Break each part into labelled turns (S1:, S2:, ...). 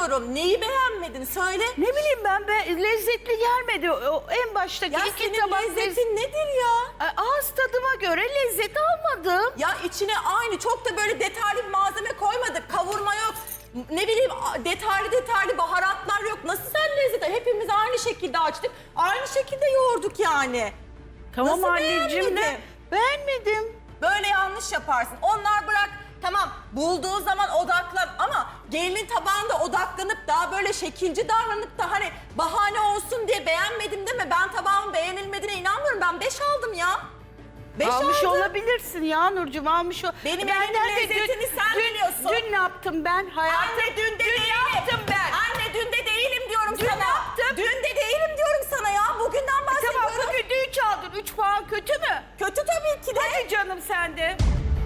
S1: soruyorum. Neyi beğenmedin? Söyle.
S2: Ne bileyim ben lezzetli gelmedi. O en baştaki
S1: Ya
S2: iki
S1: senin
S2: tabak
S1: lezzetin nedir ya?
S2: Ağız tadıma göre lezzet almadım.
S1: Ya içine aynı çok da böyle detaylı bir malzeme koymadık. Kavurma yok. Ne bileyim detaylı baharatlar yok. Nasıl sen lezzet? Hepimiz aynı şekilde açtık. Aynı şekilde yoğurduk yani.
S2: Tamam
S1: Nasıl
S2: anneciğim
S1: beğenmedin?
S2: beğenmedim.
S1: Böyle yanlış yaparsın. Onlar bırak tamam bulduğu zaman odaklan ama gelinin tabağında odaklanıp daha böyle şekilci davranıp da hani bahane olsun diye beğenmedim deme. Ben tabağımın beğenilmediğine inanmıyorum. Ben 5 aldım ya. 5
S2: Almış
S1: aldım.
S2: olabilirsin ya Nurcuğum almış o.
S1: Benim
S2: Ben
S1: elimin
S2: nerede
S1: lezzetini sen biliyorsun.
S2: Dün ne yaptım ben hayatım?
S1: Anne dün de değilim.
S2: yaptım ben?
S1: Anne dün de değilim diyorum
S2: Dün
S1: sana.
S2: ne yaptım?
S1: Dün de değilim diyorum sana ya. Bugünden bahsediyorum.
S2: Tamam bugün de 3 aldın. 3 puan kötü mü?
S1: Kötü tabii ki de.
S2: Hadi canım sen de.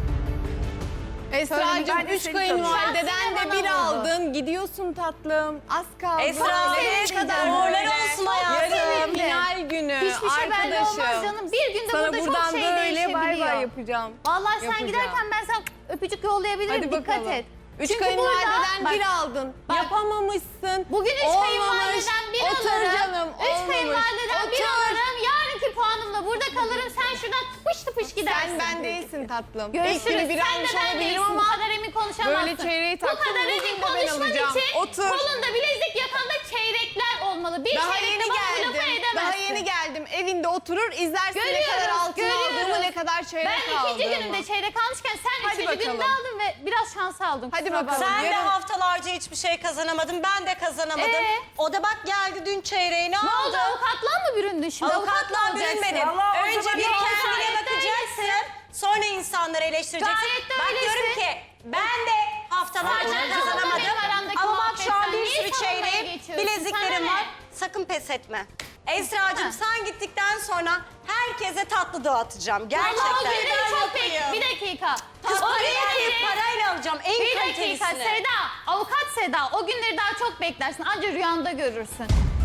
S3: Esra'cığım
S2: Ben de
S3: 3
S2: seni
S3: kayınvalideden de
S4: tanıyorum.
S3: 1 aldın. Gidiyorsun tatlım. Az kaldı.
S4: Esra, nereye kadar? Uğurlar olsun hayatım.
S3: Yarın final günü.
S4: Hiçbir şey belli olmaz
S3: arkadaşım.
S4: canım. Bir günde
S3: Sana
S4: burada çok
S3: buradan
S4: şey
S3: böyle
S4: değişebiliyor.
S3: bay bay yapacağım.
S4: Vallahi sen
S3: Yapacağım.
S4: giderken ben sana öpücük yollayabilirim.
S3: Hadi
S4: Dikkat
S3: bakalım.
S4: et.
S3: 3
S4: Çünkü
S3: kayınvalideden
S4: burada-
S3: 1 aldın.
S4: bak.
S3: Yapamamışsın.
S4: Bugün 3
S3: Olmamış.
S4: kayınvalideden 1
S3: Otur
S4: alırım.
S3: canım.
S4: 3
S3: olmamış.
S4: kayınvalideden 1
S3: Otur.
S4: alırım. Yarınki puanımla burada kalırım. Sen şuradan tıpış tıpış gidersin.
S3: Sen ben değilsin tatlım.
S4: Görüşürüz.
S3: Belki bir
S4: Sen de
S3: almış
S4: ben
S3: olabilirim
S4: değilsin. Bu
S3: ama
S4: kadar emin konuşamazsın.
S3: böyle çeyreği
S4: Bu
S3: taktım,
S4: kadar
S3: bugün
S4: emin
S3: de ben
S4: konuşman
S3: alacağım.
S4: için
S3: Otur.
S4: kolunda bilezik yakanda çeyrekler olmalı. Bir
S3: daha
S4: çeyrekle
S3: yeni
S4: bana bu lafı
S3: geldim.
S4: edemezsin.
S3: Daha yeni geldim. Evinde oturur izlersin ne kadar
S4: Görüyoruz,
S3: altın aldığımı, ne kadar çeyrek
S4: Ben
S3: aldığımı.
S4: ikinci günümde çeyrek almışken sen
S3: Hadi
S4: üçüncü günde
S3: bakalım.
S4: aldın ve biraz şans aldın.
S3: Hadi
S4: kusura
S3: bakalım.
S4: bakma.
S5: Sen de
S3: Yarın-
S5: haftalarca hiçbir şey kazanamadın. Ben de kazanamadım. O da bak geldi dün çeyreğini
S4: Ne oldu?
S5: aldı.
S4: Avukatlığa mı büründün şimdi?
S5: Avukatla
S4: olacaksın.
S5: bürünmedin.
S2: Allah, o
S5: Önce
S2: zaman
S5: bir
S2: bir
S5: kendine
S4: gayet de
S5: bakacaksın. Sonra insanları eleştireceksin.
S4: Gayet de
S5: Bak
S4: öylesin.
S5: diyorum ki ben de haftalarca
S4: Sen
S5: kazanamadım.
S4: benim aramdaki
S5: Ama bak şu an
S4: muhabbetten
S5: bir
S4: niye
S5: sürü
S4: savunmaya
S5: çeyreğim,
S4: geçiyorsun?
S5: bileziklerim
S4: Sana
S5: var.
S4: ne?
S5: Sakın pes etme. Esra'cığım
S4: Ha.
S5: sen gittikten sonra herkese tatlı dağıtacağım.
S4: Allah
S5: Gerçekten.
S4: günleri çok pek. Bir dakika.
S5: Kız
S4: O
S5: parayı
S4: günleri-
S5: kıyıp parayla alacağım. En
S4: Bir dakika
S5: kalitelisini.
S4: Seda, avukat Seda. O günleri daha çok beklersin. Anca rüyanda görürsün.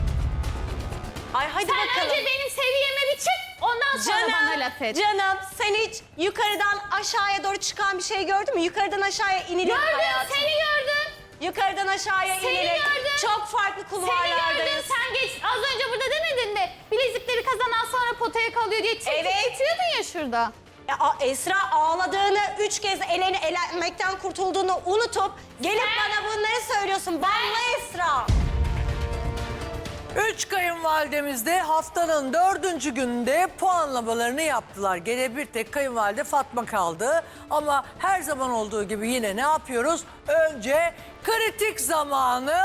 S5: Ay hadi
S4: Sen
S5: bakalım.
S4: önce benim seviyeme bir çık. Ondan sonra bana laf et.
S5: Canım sen hiç yukarıdan aşağıya doğru çıkan bir şey gördün mü? Yukarıdan aşağıya inilir
S4: Gördüm,
S5: hayatım.
S4: seni gördüm.
S5: Yukarıdan aşağıya
S4: Seni
S5: inilir.
S4: gördüm.
S5: Çok farklı
S4: Seni gördüm.
S5: kulvarlardayız.
S4: Sen geç. Az önce burada demedin mi? Bilezikleri kazanan sonra potaya kalıyor diye çekip
S5: Evet.
S4: geçiyordun ya şurada.
S5: Esra ağladığını, 3 kez elenmekten kurtulduğunu unutup gelip bana bunları söylüyorsun. Banla Esra.
S6: 3 kayınvalidemiz de haftanın 4. gününde puanlamalarını yaptılar. Gene bir tek kayınvalide Fatma kaldı. Ama her zaman olduğu gibi yine ne yapıyoruz? Önce kritik zamanı.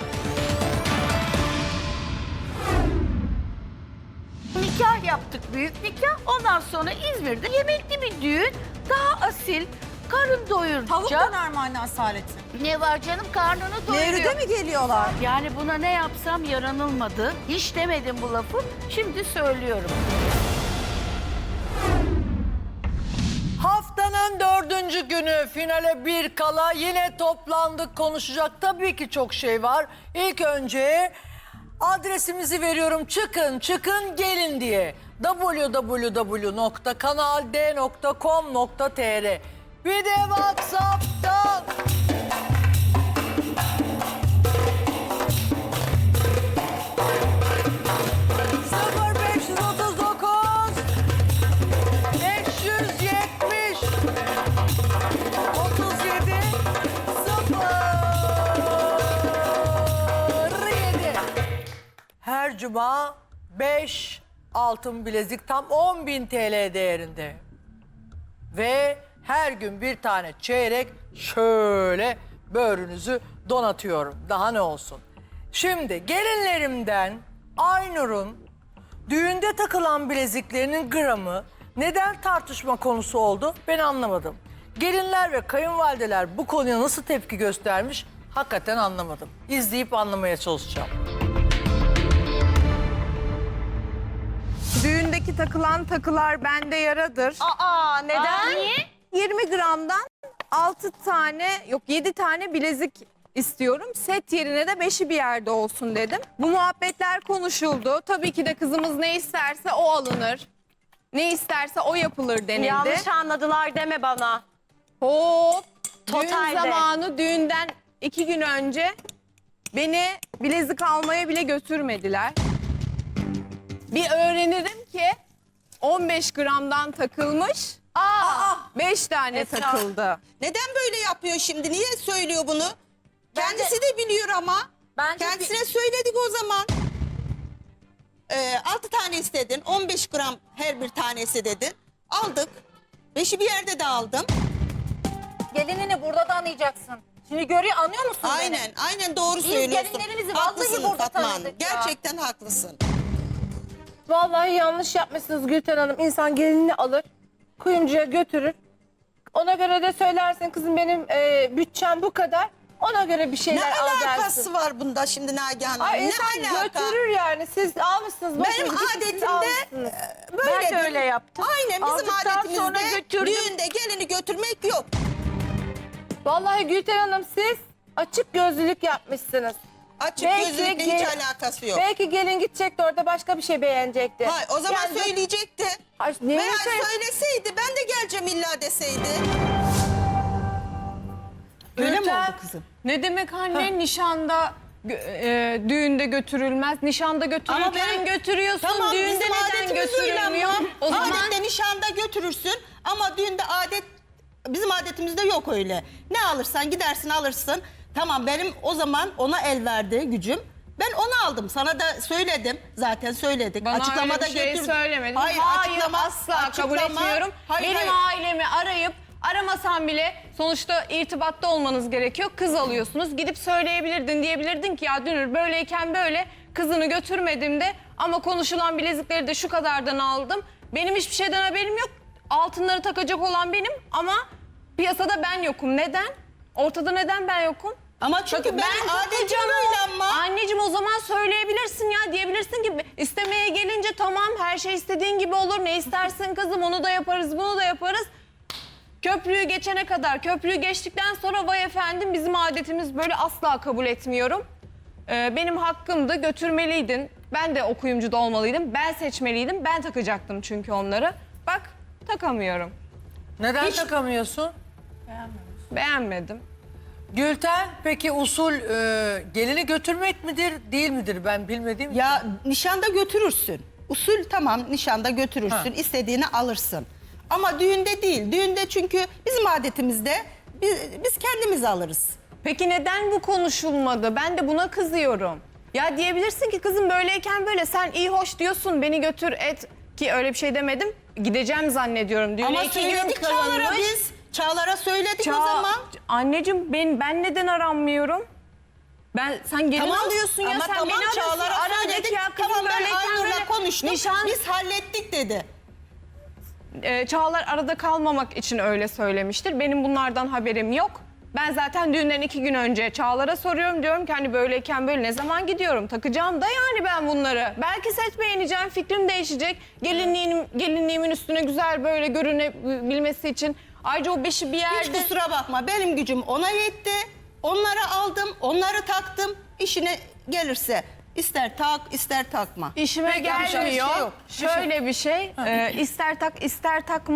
S2: Nikah yaptık, büyük nikah. Ondan sonra İzmir'de yemekli bir düğün. Daha asil, karın doyuracak.
S1: Tavuk döner mi anne Asalet'in?
S2: Ne var canım, karnını doyuruyor.
S1: Nevri'de mi geliyorlar?
S2: Yani buna ne yapsam yaranılmadı. Hiç demedim bu lafı, şimdi söylüyorum.
S6: Haftanın 4. günü finale bir kala yine toplandık, konuşacak tabii ki çok şey var. İlk önce adresimizi veriyorum, çıkın gelin diye. www.kanald.com.tr. Bir de WhatsApp'tan. Sıfır 539 570 37 07. Her cuma 5 altın bilezik tam 10.000 TL değerinde. Ve her gün bir tane çeyrek şöyle böğrünüzü donatıyorum. Daha ne olsun. Şimdi gelinlerimden Aynur'un düğünde takılan bileziklerinin gramı neden tartışma konusu oldu ben anlamadım. Gelinler ve kayınvalideler bu konuya nasıl tepki göstermiş hakikaten anlamadım. İzleyip anlamaya çalışacağım.
S3: Düğündeki takılan takılar bende yaradır.
S5: Aa neden?
S4: Niye?
S3: 20 gramdan 6 tane yok 7 tane bilezik istiyorum. Set yerine de 5'i bir yerde olsun dedim. Bu muhabbetler konuşuldu. Tabii ki de kızımız ne isterse o alınır. Ne isterse o yapılır denildi.
S5: Yanlış anladılar deme bana.
S3: Hop. Düğün
S5: Totalde.
S3: zamanı düğünden 2 gün önce Beni bilezik almaya bile götürmediler. Bir öğrenirim ki 15 gramdan takılmış. 5 tane takıldı.
S7: Neden böyle yapıyor şimdi? Niye söylüyor bunu? Kendisi de biliyor ama. Kendisine söyledik o zaman. 6 tane istedin. 15 gram her bir tanesi dedin. Aldık. 5'i bir yerde de aldım.
S8: Gelinini burada da anlayacaksın. Şimdi anlıyor musun beni?
S7: Aynen doğru
S8: Biz
S7: söylüyorsun.
S8: gelinlerimizi vallahi
S7: Haklısın
S8: burada
S7: Fatma Hanım.
S8: tanıdık ya.
S7: Gerçekten haklısın.
S9: Vallahi yanlış yapmışsınız Gülten Hanım. İnsan gelinini alır, kuyumcuya götürür. Ona göre de söylersin kızım benim bütçem bu kadar. Ona göre bir
S7: Ne
S9: şeyler al dersin.
S7: alakası var bunda şimdi Nagihan Hanım?
S9: Ay,
S7: Ne
S9: insan
S7: alaka?
S9: götürür yani. Siz almışsınız. boşuna
S7: Benim
S9: gidip siz
S7: adetimde
S9: almışsınız.
S7: böyle.
S2: Ben de öyle yaptım.
S7: Aynen bizim
S2: Aldıktan sonra
S7: adetimizde
S2: götürdüm.
S7: düğünde gelini götürmek yok.
S9: Vallahi Gülten Hanım siz açık gözlülük yapmışsınız.
S7: Açık
S9: Belki
S7: gözlülükle hiç alakası yok.
S9: Belki gelin gidecekti orada başka bir şey beğenecekti.
S7: Hayır, o zaman
S9: Yani-
S7: söyleyecekti.
S9: Ay, niye
S7: Veya
S9: söyle-
S7: söyleseydi ben de geleceğim illa deseydi.
S6: Öyle mi oldu
S7: kızım?
S10: Ne demek anne nişanda düğünde götürülmez. Nişanda götürürken götürüyorsun.
S7: Tamam,
S10: düğünde
S7: bizim
S10: neden
S7: adetimiz öyle
S10: götürülmüyor?
S7: ama.
S10: O zaman
S7: Adette nişanda götürürsün ama düğünde bizim adetimizde yok öyle. Ne alırsan gidersin alırsın. Tamam benim o zaman ona el verdi gücüm. Ben onu aldım. Sana da söyledim. Zaten söyledik.
S10: bana
S7: Açıklamada
S10: öyle bir şey
S7: götürdüm.
S10: söylemedin.
S7: Hayır,
S10: asla kabul etmiyorum.
S7: Hayır,
S10: Benim ailemi arayıp aramasam bile sonuçta irtibatta olmanız gerekiyor. Kız alıyorsunuz. Gidip söyleyebilirdin, diyebilirdin ki ya Dünür böyleyken böyle kızını götürmedim de ama konuşulan bilezikleri de şu kadardan aldım. Benim hiçbir şeyden haberim yok. Altınları takacak olan benim ama piyasada ben yokum. Neden? Ortada neden ben yokum?
S7: Ama çünkü
S10: Bakın,
S7: benim adetim
S10: takacağım
S7: öyle ama.
S10: Anneciğim o zaman söyleyebilirsin ya, diyebilirsin ki istemeye gelince tamam her şey istediğin gibi olur. Ne istersin kızım, onu da yaparız, bunu da yaparız. Köprüyü geçene kadar, köprüyü geçtikten sonra vay efendim bizim adetimiz böyle, asla kabul etmiyorum. Benim hakkımdı, götürmeliydin. Ben de o kuyumcuda olmalıydım. Ben seçmeliydim. Ben takacaktım çünkü onları. Bak takamıyorum.
S6: Neden takamıyorsun?
S10: Beğenmedim.
S6: Gülten peki usul gelini götürmek midir değil midir ben bilmediğim için.
S7: Ya nişanda götürürsün. Usul tamam nişanda götürürsün.
S6: Ha.
S7: İstediğini alırsın. Ama düğünde değil. Düğünde çünkü bizim adetimizde biz kendimiz alırız.
S10: Peki neden bu konuşulmadı? Ben de buna kızıyorum. Ya diyebilirsin ki kızım böyleyken böyle, sen iyi hoş diyorsun, beni götür et, ki öyle bir şey demedim. Gideceğim zannediyorum. Düğüne
S7: Ama
S10: 2 gün
S7: söyledik Çağlar'a
S10: kalınmış.
S7: biz. Çağlar'a söyledik o zaman.
S10: Anneciğim ben neden aranmıyorum? Sen gelin alıyorsun ya,
S7: ama
S10: sen
S7: tamam,
S10: beni arıyorsun.
S7: Çağlar'a
S10: Ara de
S7: söyledik.
S10: ki ya kızım
S7: Tamam ben
S10: böyleyken
S7: Aynur'la
S10: böyle
S7: konuştum.
S10: nişan...
S7: Biz hallettik dedi.
S10: Çağlar arada kalmamak için öyle söylemiştir. Benim bunlardan haberim yok. Ben zaten düğünden 2 gün önce Çağlar'a soruyorum, diyorum ki hani böyleyken böyle ne zaman takacağım da yani ben bunları. Belki set beğeneceğim, fikrim değişecek. Gelinliğimin üstüne güzel böyle görünebilmesi için. Ayrıca o 5'i bir
S7: Hiç
S10: yerde...
S7: kusura bakma benim gücüm ona yetti. Onları aldım, onları taktım. İşine gelirse ister tak ister takma.
S10: İşime
S6: Peki, bir şey
S10: gelmiyor.
S6: yok.
S10: Şöyle bir şey, ister tak ister takma.